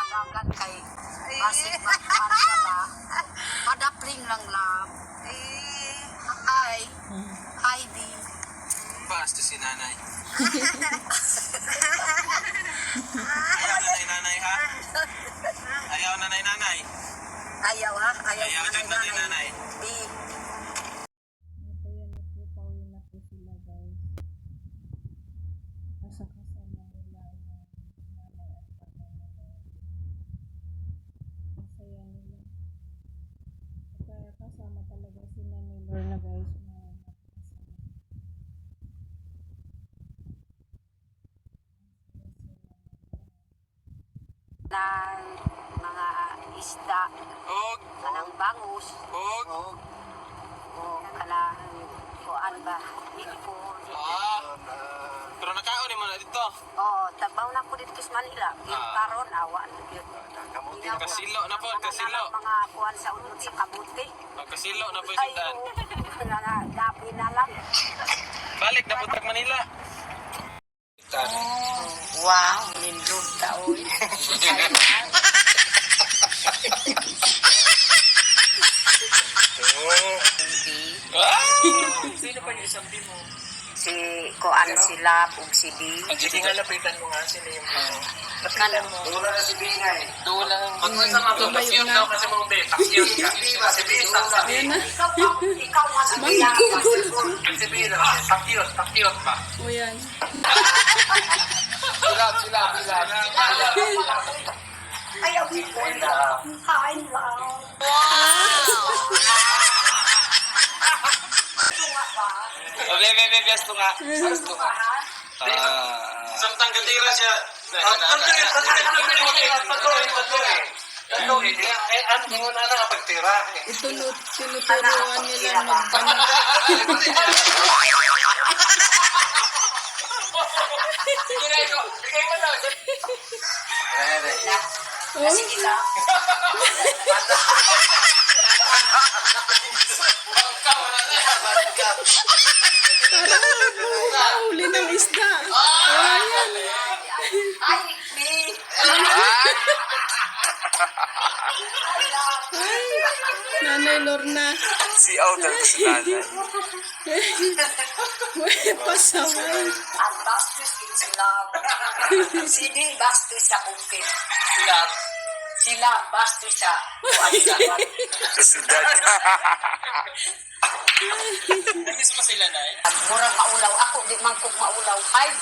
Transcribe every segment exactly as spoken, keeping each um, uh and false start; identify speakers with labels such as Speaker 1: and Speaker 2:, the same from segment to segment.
Speaker 1: hanggang kay Pasig Pagkuhan ka ba? Padapling lang lang. Eh, hi. Hi, D.
Speaker 2: Basta si nanay. Ayaw nanay-nanay ha? Ayaw nanay-nanay.
Speaker 1: Ayaw ha? Ayaw,
Speaker 2: Ayaw dyan nanay-nanay.
Speaker 1: D.
Speaker 3: Kasama talaga si Nanay Lorna guys.
Speaker 1: Ng mga isda,
Speaker 2: Og,
Speaker 1: kanang bangus,
Speaker 2: og.
Speaker 1: o kanang kuan ba? Ipon.
Speaker 2: Ah. Pero nakaon mo na dito.
Speaker 1: Oo, tabaw na ko dito sa Manila. Yung
Speaker 2: Ah.
Speaker 1: karon awan.
Speaker 2: Kasilo na po, kasilo.
Speaker 1: Mga kuan sa unod sa kabuti.
Speaker 2: Kasilo na po
Speaker 1: Ay,
Speaker 2: sindan.
Speaker 1: oo. Nangagabi na lang.
Speaker 2: Balik na po tag Manila.
Speaker 1: Oh, wow, lindog ka, oy.
Speaker 2: Ah!
Speaker 4: Sino pa yung isang mo?
Speaker 1: Si kuan sila ug si B.
Speaker 4: Sige nga, lapitan mo nga sila yung ano.
Speaker 1: Lapitan
Speaker 4: mo.
Speaker 2: Dula na si Bingay.
Speaker 4: Dula. Pag mo sa mga pasyot daw kasi mo be, pasyot ka. Si B, sa sabi.
Speaker 1: Ikaw, ikaw nga sa bilang.
Speaker 4: Si B, pasyot, pasyot pa.
Speaker 3: O yan.
Speaker 4: Sila, sila, sila.
Speaker 1: Ayaw, ikaw. Hi, love.
Speaker 2: Okay, bebe, biyasto nga. Biyasto nga. Ah. Samtang gatira siya. Patuloy, patuloy, patuloy, patuloy, patuloy. Patuloy, eh, ano mo na nakapagtira?
Speaker 3: Itulot, tinuturuan nila magtanong.
Speaker 4: Bigay mo na.
Speaker 3: Oh,
Speaker 1: Sige lang.
Speaker 3: parang mahuli ng isda. O yan.
Speaker 1: Ay, B.
Speaker 3: Ay, Nanay Lorna.
Speaker 2: Si Audal ko si nanay.
Speaker 3: Uy, pasaway.
Speaker 1: Ang bastos din sila. Si D, bastos sa bukid.
Speaker 4: Sila.
Speaker 1: Sila, bastos sa kuan sa kuan.
Speaker 2: Si dad.
Speaker 4: Namiss mo sila na eh.
Speaker 1: Murang maulaw. Ako, di man kong maulaw. Hi, B.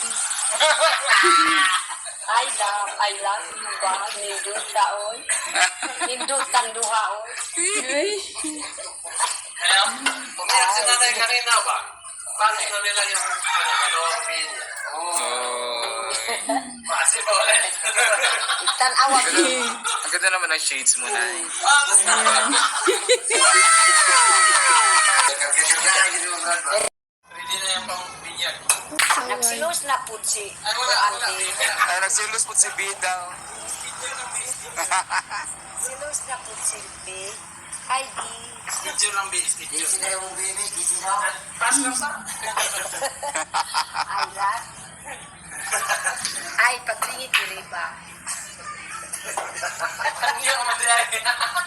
Speaker 1: I love, I love you ba? Nindot ka, oy. Nindot kang duha, oy.
Speaker 3: Ay,
Speaker 4: Hello? Pumayag si nanay kanina ba? Paano na nila yung ano, dalawang pin?
Speaker 2: Oh.
Speaker 4: Maasi ba ulit?
Speaker 1: Tanawa, B.
Speaker 2: Ang ganda naman ng shades mo na eh.
Speaker 4: Ah, mas na. Ready na yung pang binyag.
Speaker 3: pasaway.
Speaker 1: Nagsilos na po si
Speaker 4: Ay, wala, wala.
Speaker 1: Andy.
Speaker 2: Ay, nagsilos po si Bidaw.
Speaker 1: Silos na po si B. Hi, B.
Speaker 4: Schedule lang, B. Schedule.
Speaker 1: Sila yung baby, sila.
Speaker 4: Pass lang sa.
Speaker 1: Ay, lahat. Ay, pagtingin ko rin ba?
Speaker 4: Hindi ako madayay.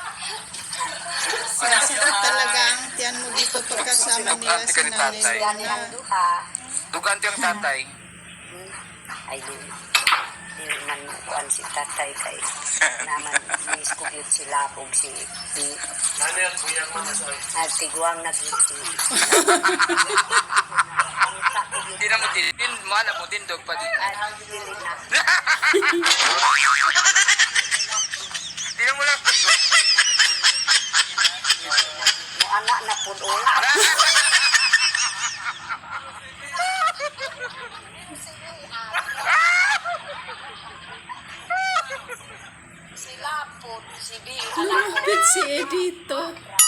Speaker 3: Sarap talaga ang tiyan mo dito pagkasama nila si Nanay
Speaker 1: Yan ang
Speaker 3: Lorna.
Speaker 1: duha.
Speaker 2: Duganti ang tatay.
Speaker 1: Hmm. Ay, di. Di man kuan si tatay kay naman miss ko yun sila ug si B.
Speaker 4: Ano yan, buyag mo na sa'yo?
Speaker 1: Nagtiguang nag-yun si
Speaker 2: Hindi na mo din. Mana mo din, dog pa din.
Speaker 1: Ay, dili na.
Speaker 2: Hindi na mo lang.
Speaker 1: Mo anak na po doon. Sila po, si B, anak ko.
Speaker 3: Lumapit si Edito.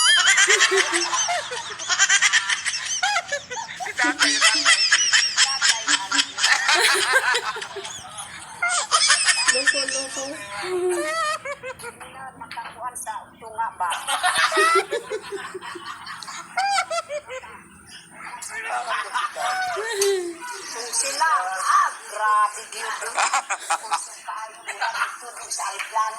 Speaker 2: Si tatay, tatay.
Speaker 3: Loko-loko.
Speaker 1: Makakuan sa tunga ba? Kung sila, ah, grabe dito. Kung sa tayo. Tutulog sa aeroplano.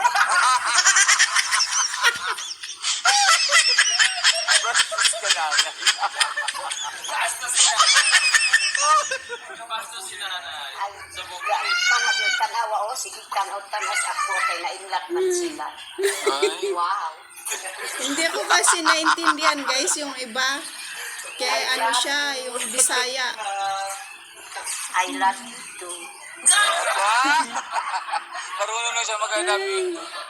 Speaker 2: Bastos ka namin.
Speaker 4: Bastos siya. Bastos si nanay.
Speaker 1: Ay,
Speaker 4: Sa bukay.
Speaker 1: tanag yung tanawa o, sige tanaw tanas ako kay nainlat man sila.
Speaker 2: Ay.
Speaker 1: Wow.
Speaker 3: Hindi ko kasi naintindihan guys yung iba. Kaya ano siya, yung Bisaya.
Speaker 1: I love you too.
Speaker 2: Ah! Marunong na siya mag-I-love you.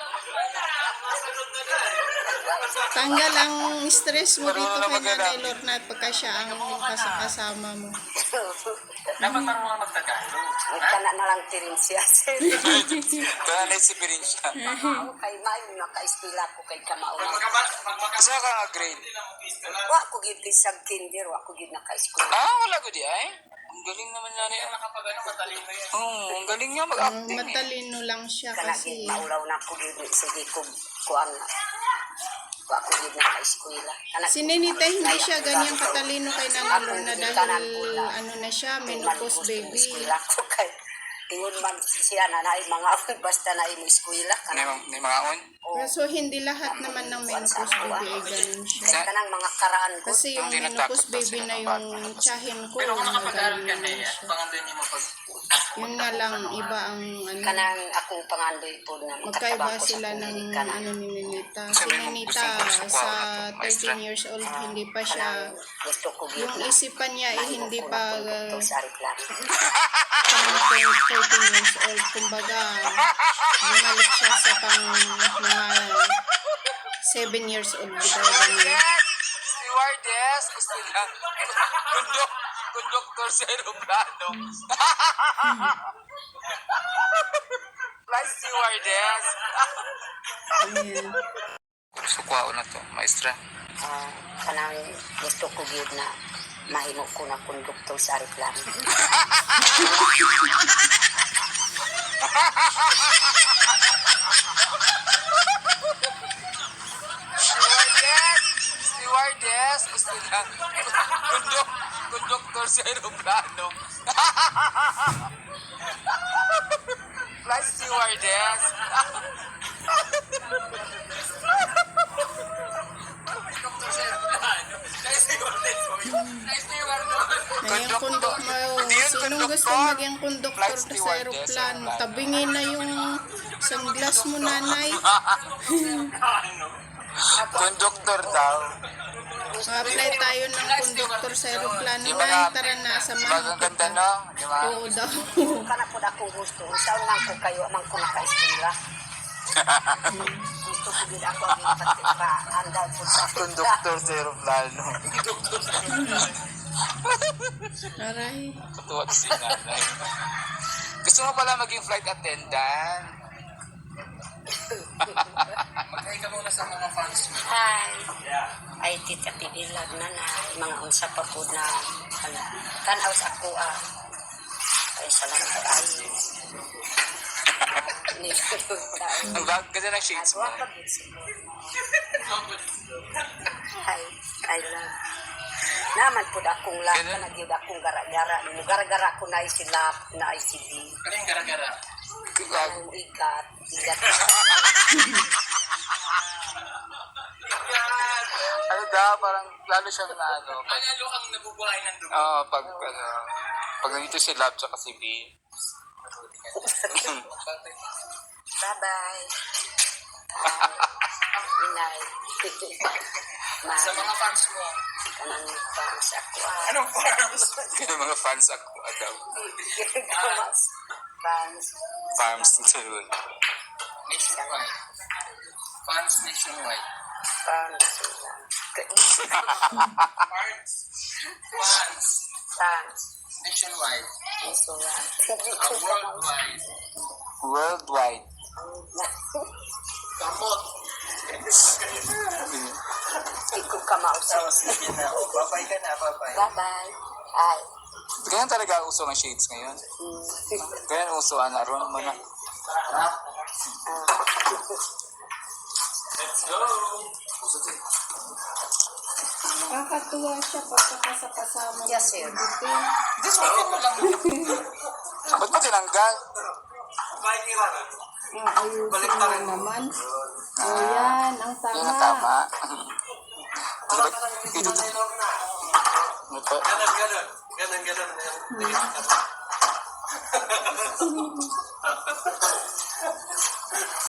Speaker 3: Tanggal ang stress mo dito
Speaker 2: Marunong na
Speaker 3: kay Nanay
Speaker 2: mag-I-love.
Speaker 3: Lorna pagka siya ang kasama mo.
Speaker 4: Dapat marunong mag-Tagalog.
Speaker 1: Ay, kana na lang tirin siya.
Speaker 2: Kaya naisipirin siya.
Speaker 1: Ako kay Mayo, naka-estila ko kay Kamao.
Speaker 4: Pag magkabat, pag
Speaker 2: Kasi
Speaker 4: magkabat,
Speaker 2: ka nga grade.
Speaker 4: hindi na mag-pista na.
Speaker 1: Wa ko gid sa kinder, wa ko gid naka-school.
Speaker 2: Ah, wala ko di ay. Ang galing naman niya
Speaker 4: Kaya
Speaker 2: niya.
Speaker 4: nakapag ano, matalino yan.
Speaker 2: Oo, ang galing niya
Speaker 3: Ang
Speaker 2: mag-acting eh.
Speaker 3: matalino lang siya
Speaker 1: Kana
Speaker 3: kasi.
Speaker 1: gid maulaw na ko gid sige ko kuan na. Wa ko gid naka-school. Kana
Speaker 3: Si Nenita hindi siya ganyan katalino kay Nanay Lorna dahil ano na siya, menopause baby.
Speaker 1: Eskwela ko kay ingon man siya na naay mga basta na imo eskwela
Speaker 2: Ni
Speaker 1: kana.
Speaker 2: ni mga on.
Speaker 3: Kaso hindi lahat naman ng menopause baby ay ganun siya.
Speaker 1: Kay kanang mga karaan ko.
Speaker 3: Kasi yung
Speaker 2: Hindi
Speaker 3: menopause
Speaker 2: natakot
Speaker 3: baby
Speaker 2: sila
Speaker 3: na
Speaker 2: ng
Speaker 3: yung
Speaker 2: bata.
Speaker 3: tiyahin ko,
Speaker 4: Pero kung nakapag-aral ka na
Speaker 3: magaling
Speaker 4: yan,
Speaker 3: siya.
Speaker 4: pangandoy niyo mo pag...
Speaker 3: Yun nga lang, iba ang ano,
Speaker 1: Kanang akong pangandoy po na
Speaker 3: magkaiba
Speaker 1: makatabang ko
Speaker 3: sila
Speaker 1: sa
Speaker 3: ng
Speaker 1: Amerika na.
Speaker 3: ano ni Nenita. Si
Speaker 2: Sabi mo,
Speaker 3: Nenita
Speaker 2: gustong gusto ko
Speaker 3: sa
Speaker 2: ako na to, maestra.
Speaker 3: thirteen years old, hindi pa siya,
Speaker 1: Kanang gusto ko gid
Speaker 3: yung
Speaker 1: na
Speaker 3: isipan niya ay hindi pa
Speaker 1: to
Speaker 3: uh,
Speaker 1: sa reklamo.
Speaker 3: pang thirteen years old. Kumbaga, bumalik siya sa pang mga seven years old. Diba, ganun.
Speaker 2: Yes! Stewardess! Gusto niya. Kundok, konduktor sa aeroplano. Flight stewardess.
Speaker 3: Ayan.
Speaker 2: Sukwao na to, maestra.
Speaker 1: Ah, kanang gusto ko gid na mahimo ko na konduktor sa reklamo.
Speaker 2: Stewardess! Stewardess! Gusto niya. Kundok, konduktor sa aeroplano. Flight stewardess.
Speaker 3: Na yung kondok mo,
Speaker 2: Hindi yun
Speaker 3: sinong
Speaker 2: konduktor.
Speaker 3: gusto maging konduktor
Speaker 2: Flight
Speaker 3: sa
Speaker 2: stewardess,
Speaker 3: aeroplano?
Speaker 2: aeroplano.
Speaker 3: Tabingin na yung sunglass mo, nanay.
Speaker 2: Konduktor daw.
Speaker 3: Apply tayo ng konduktor sa aeroplano.
Speaker 2: Di
Speaker 3: Nay,
Speaker 2: ba
Speaker 3: tara na,
Speaker 2: Di ba
Speaker 3: samahan
Speaker 2: ang ganda,
Speaker 3: kita.
Speaker 2: no? Di ba?
Speaker 3: Oo daw.
Speaker 1: Kana po akong gusto. Saan lang ko kayo amang ko naka-eskwela. Gusto ko gid ako ang pati pa andal po sa
Speaker 2: Konduktor sa aeroplano.
Speaker 3: Aray.
Speaker 2: Katuwa si nanay. Gusto mo pala maging flight attendant?
Speaker 4: Mag-hi ka muna sa mga fans mo.
Speaker 1: Hi. Ay, tita pidilag na na. Mga unsa pa po na ano, tanaw sa ako ah. Ay, salamat ay.
Speaker 2: Ang bag kasi ng shades mo.
Speaker 1: Aswa ka din siguro. Hi. I love. Naman po akong lap
Speaker 2: Ganun?
Speaker 1: na nagyud akong gara-gara. Nung gara-gara ko na isilap na I C D.
Speaker 4: Ano yung gara-gara?
Speaker 1: Ang ikat. Ikat.
Speaker 2: Ano daw, parang lalo siyang na ano. Pag,
Speaker 4: Lalo kang nabubuhay ng dugo.
Speaker 2: Oo, pag ano, pag nandito si Lab tsaka si B.
Speaker 1: Bye-bye. Inay. Ma,
Speaker 4: Sa mga fans mo.
Speaker 1: kanang fans ako ah.
Speaker 4: Anong farms?
Speaker 2: Kaya mga fans ako agaw.
Speaker 1: Mas fans.
Speaker 2: Farms sa doon.
Speaker 4: Nationwide. Fans nationwide.
Speaker 1: Fans sila.
Speaker 4: Fans. Fans.
Speaker 1: Fans.
Speaker 4: Nationwide.
Speaker 1: Sila.
Speaker 4: Uh, worldwide.
Speaker 2: Worldwide.
Speaker 4: Kamot.
Speaker 1: Ikaw ka mausap.
Speaker 4: Sige na. O, babay ka na. Babay.
Speaker 1: Bye-bye. Ay.
Speaker 2: Ganyan talaga uso ng shades ngayon.
Speaker 1: Mm.
Speaker 2: Ganyan uso, ano, aron mo na.
Speaker 4: Let's go.
Speaker 3: Nakakatuwa siya pagkakasakasama ng
Speaker 1: Yes, sir.
Speaker 3: Pilipi.
Speaker 4: Just okay mo lang.
Speaker 2: Ba't mo tinanggal?
Speaker 4: Bye, Kira.
Speaker 3: Ayusin mo naman. O yan, ang
Speaker 5: Yan ang
Speaker 3: tama.
Speaker 5: tama.
Speaker 4: Wala ka lang dito na ilog na.
Speaker 5: Ito.
Speaker 4: Ganon, ganon. Ganon, ganon. Ganon.